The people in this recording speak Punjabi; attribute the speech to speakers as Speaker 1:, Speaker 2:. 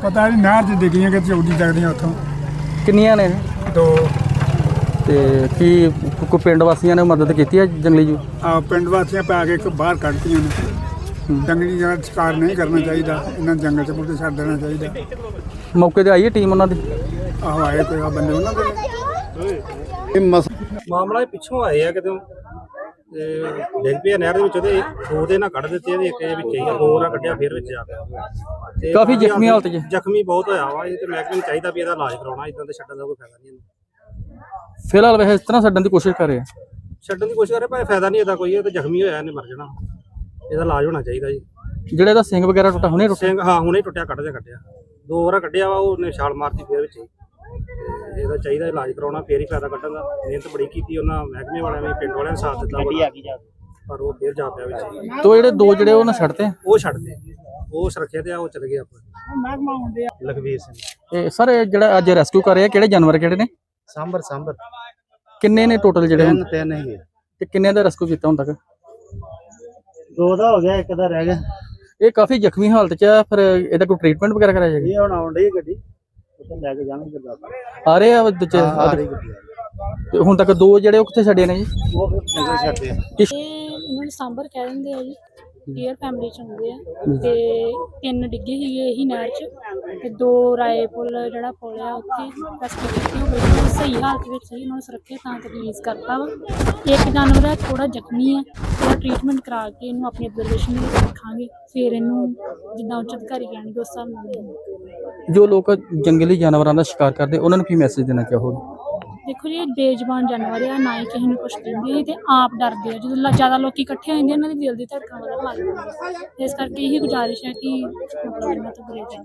Speaker 1: ਪਤਾ ਨਹੀਂ ਨਹਿਰ 'ਚ ਡਿੱਗੀਆਂ ਕਿ ਚੌਡੀ ਚੱਕਦੀਆਂ ਉੱਥੋਂ।
Speaker 2: ਕਿੰਨੀਆਂ ਨੇ?
Speaker 1: 2।
Speaker 2: ਤੇ ਕੀ ਕੋਈ ਪਿੰਡ ਵਾਸੀਆਂ ਨੇ ਮਦਦ ਕੀਤੀ ਹੈ ਜੰਗਲੀ ਜੂ?
Speaker 1: ਪਿੰਡ ਵਾਸੀਆਂ ਪਾ ਕੇ ਇੱਕ ਬਾਹਰ ਕੱਢਤੀਆਂ ਨੇ। ਜੰਗਲੀ ਜਾਨਵਰ ਸ਼ਿਕਾਰ ਨਹੀਂ ਕਰਨਾ ਚਾਹੀਦਾ, ਇਹਨਾਂ ਨੂੰ ਜੰਗਲ 'ਚ ਮੁੱਢੇ ਛੱਡ ਦੇਣਾ ਚਾਹੀਦਾ।
Speaker 2: ਮੌਕੇ ਤੇ ਆਈ ਹੈ ਟੀਮ ਉਹਨਾਂ ਦੀ?
Speaker 1: ਆਹੋ ਆਏ ਕੋਈ ਬੰਦੇ ਉਹਨਾਂ ਦੇ।
Speaker 3: ਇਹ ਮਾਮਲਾ ਪਿੱਛੋਂ ਆਏ ਆ ਕਿਤੇ ਤੇ ਡਿੱਗ ਪਿਆ ਨਹਿਰ ਦੇ ਵਿੱਚ। ਉਹਦੇ 2 ਦੇ ਨਾਲ ਕੱਢ ਦਿੱਤੇ, ਇਹਦੇ ਇੱਕ ਵਿੱਚ ਹੀ 2 ਨਾਲ ਕੱਢਿਆ, ਫਿਰ ਵਿੱਚ ਆ ਗਿਆ ਤੇ
Speaker 2: ਕਾਫੀ ਜ਼ਖਮੀ ਹਾਲਤ 'ਚ?
Speaker 3: ਜ਼ਖਮੀ ਬਹੁਤ ਹੋਇਆ ਵਾ। ਇਹ ਤੇ ਮਹਿਕਮੇ ਨੂੰ ਚਾਹੀਦਾ ਵੀ ਇਹਦਾ ਇਲਾਜ ਕਰਾਉਣਾ, ਇਦਾਂ ਤੇ ਛੱਡਣ ਦਾ ਕੋਈ ਫਾਇਦਾ ਨਹੀਂ।
Speaker 2: ਫਿਲਹਾਲ ਵੈਸੇ ਇਸ ਤਰ੍ਹਾਂ ਛੱਡਣ ਦੀ ਕੋਸ਼ਿਸ਼ ਕਰ ਰਹੇ ਆ?
Speaker 3: ਛੱਡਣ ਦੀ ਕੋਸ਼ਿਸ਼ ਕਰੇ ਪਰ ਫਾਇਦਾ ਨਹੀਂ ਇਹਦਾ ਕੋਈ। ਇਹ ਤੇ ਜ਼ਖਮੀ ਹੋਇਆ, ਇਹਨੇ ਮਰ ਜਾਣਾ। ਇਹਦਾ ਇਲਾਜ ਹੋਣਾ ਚਾਹੀਦਾ ਜੀ।
Speaker 2: ਜਿਹੜਾ ਇਹਦਾ ਸਿੰਘ ਵਗੈਰਾ ਟੁੱਟਾ ਹੁਣੇ ਟੁੱਟਿਆ?
Speaker 3: ਸਿੰਘ ਹਾਂ ਹੁਣੇ ਟੁੱਟਿਆ, ਕੱਢਿਆ 2 ਵਾਰ ਕੱਢਿਆ ਵਾ, ਉਹਨੇ ਛਾਲ ਮਾਰਤੀ ਫਿਰ ਵਿੱਚ ਹੀ। ਇਹਦਾ ਚਾਹੀਦਾ ਇਲਾਜ ਕਰਾਉਣਾ, ਫੇਰ ਹੀ ਫਾਇਦਾ ਕੱਢਣ ਦਾ। ਮਿਹਨਤ ਬੜੀ ਕੀਤੀ ਉਹਨਾਂ ਮਹਿਕਮੇ ਵਾਲਿਆਂ ਨੇ, ਪਿੰਡ ਵਾਲਿਆਂ ਨੇ ਸਾਥ ਦਿੱਤਾ ਪਰ ਉਹ ਫੇਰ ਜਾ ਪਿਆ ਵਿੱਚ।
Speaker 2: ਤੋ ਜਿਹੜੇ 2 ਜਿਹੜੇ ਉਹਨਾਂ ਛੱਡਤੇ?
Speaker 3: ਉਹ ਛੱਡਦੇ, ਉਹ ਸੁਰੱਖਿਆ ਤੇ ਆ, ਉਹ ਚਲੇ ਗਏ ਆਪਾਂ। ਲਖਵੀਰ ਸਿੰਘ।
Speaker 2: ਤੇ ਸਰ ਜਿਹੜਾ ਅੱਜ ਰੈਸਕਿਊ ਕਰ ਰਹੇ ਆ, ਕਿਹੜੇ ਜਾਨਵਰ ਕਿਹੜੇ ਨੇ?
Speaker 3: ਸਾਂਬਰ।
Speaker 2: ਕਿੰਨੇ ਨੇ ਟੋਟਲ ਜਿਹੜੇ?
Speaker 3: 3 ਹੀ।
Speaker 2: ਤੇ ਕਿੰਨੇ ਦਾ ਰੈਸਕਿਊ ਕੀਤਾ ਹੁਣ ਤੱਕ?
Speaker 3: 2 ਦਾ ਹੋ ਗਿਆ, 1 ਦਾ ਰਹਿ ਗਿਆ।
Speaker 2: ਇਹ ਕਾਫੀ ਜ਼ਖਮੀ ਹਾਲਤ 'ਚ ਆ, ਫਿਰ ਇਹਦਾ ਕੋਈ ਟ੍ਰੀਟਮੈਂਟ ਵਗੈਰਾ ਕਰਾਇਆ ਜਾਏਗਾ?
Speaker 3: ਇਹ ਹੁਣ ਆਉਣ ਡਈ ਗੱਡੀ, ਉੱਥੇ ਲੈ ਕੇ ਜਾਣਗੇ ਗੁਰਦਾਸਪੁਰ।
Speaker 2: ਆ ਰਹੇ ਆ ਦੂਜੇ?
Speaker 3: ਆ ਰਹੀ ਗੱਡੀ।
Speaker 2: ਤੇ ਹੁਣ ਤੱਕ 2 ਜਿਹੜੇ ਉਹ ਕਿੱਥੇ ਛੱਡੇ ਨੇ ਜੀ?
Speaker 3: ਉਹ ਫਿਰ ਨਿਕਲ ਛੱਡਦੇ ਆ।
Speaker 4: ਇਹਨਾਂ ਨੂੰ ਸਾਂਬਰ ਕਹਿ ਦਿੰਦੇ ਆ ਜੀ, ਡੀਅਰ ਫੈਮਿਲੀ ਚ ਹੁੰਦੇ ਆ। ਤੇ 3 ਡਿੱਗੇ ਸੀਗੇ ਇਹੀ ਨਹਿਰ ਚ, ਤੇ 2 ਰਾਏ ਪੁੱਲ ਜਿਹੜਾ ਪੁੱਲ ਆ ਉੱਥੇ ਰੈਸਕਿਊ ਕੀਤੀ। ਉਹ ਬਿਲਕੁਲ ਸਹੀ ਹਾਲਤ ਵਿੱਚ ਸੀ, ਉਹਨਾਂ ਨੂੰ ਸੁਰੱਖਿਅਤ ਥਾਂ ਤੇ ਰਿਲੀਜ਼ ਕਰਤਾ ਵਾ। ਇੱਕ ਜਾਨਵਰ ਹੈ ਥੋੜਾ ਜ਼ਖਮੀ ਆ, ਉਹਦਾ ਟ੍ਰੀਟਮੈਂਟ ਕਰਾ ਕੇ ਇਹਨੂੰ ਆਪਣੀ ਅਬਜ਼ਰਵੇਸ਼ਨ ਵਿੱਚ ਰੱਖਾਂਗੇ, ਫਿਰ ਇਹਨੂੰ ਜਿੱਦਾਂ ਉੱਚ ਅਧਿਕਾਰੀ ਕਹਿਣਗੇ ਉਸ ਹਿਸਾਬ ਨਾਲ।
Speaker 2: ਜੋ ਲੋਕ ਜੰਗਲੀ ਜਾਨਵਰਾਂ ਦਾ ਸ਼ਿਕਾਰ ਕਰਦੇ ਉਹਨਾਂ ਨੂੰ ਕੀ ਮੈਸੇਜ ਦੇਣਾ ਚਾਹੋਗੇ?
Speaker 4: ਦੇਖੋ ਜੀ, ਇਹ ਬੇਜ਼ੁਬਾਨ ਜਾਨਵਰ ਆ, ਨਾ ਹੀ ਕਿਸੇ ਨੂੰ ਕੁਛ ਕਹਿੰਦੇ ਤੇ ਆਪ ਡਰਦੇ ਆ। ਜਦੋਂ ਜ਼ਿਆਦਾ ਲੋਕੀ ਇਕੱਠੇ ਹੋ ਜਾਂਦੇ, ਇਹਨਾਂ ਦੀ ਦਿਲ ਦੀ ਧੜਕਣ ਵਧਣ ਲੱਗ ਜਾਂਦੀ। ਇਸ ਕਰਕੇ ਇਹੀ ਗੁਜ਼ਾਰਿਸ਼ ਹੈ ਕਿ ਮਤਲਬ ਇਹਨਾਂ ਤੋਂ ਬੁਰੇ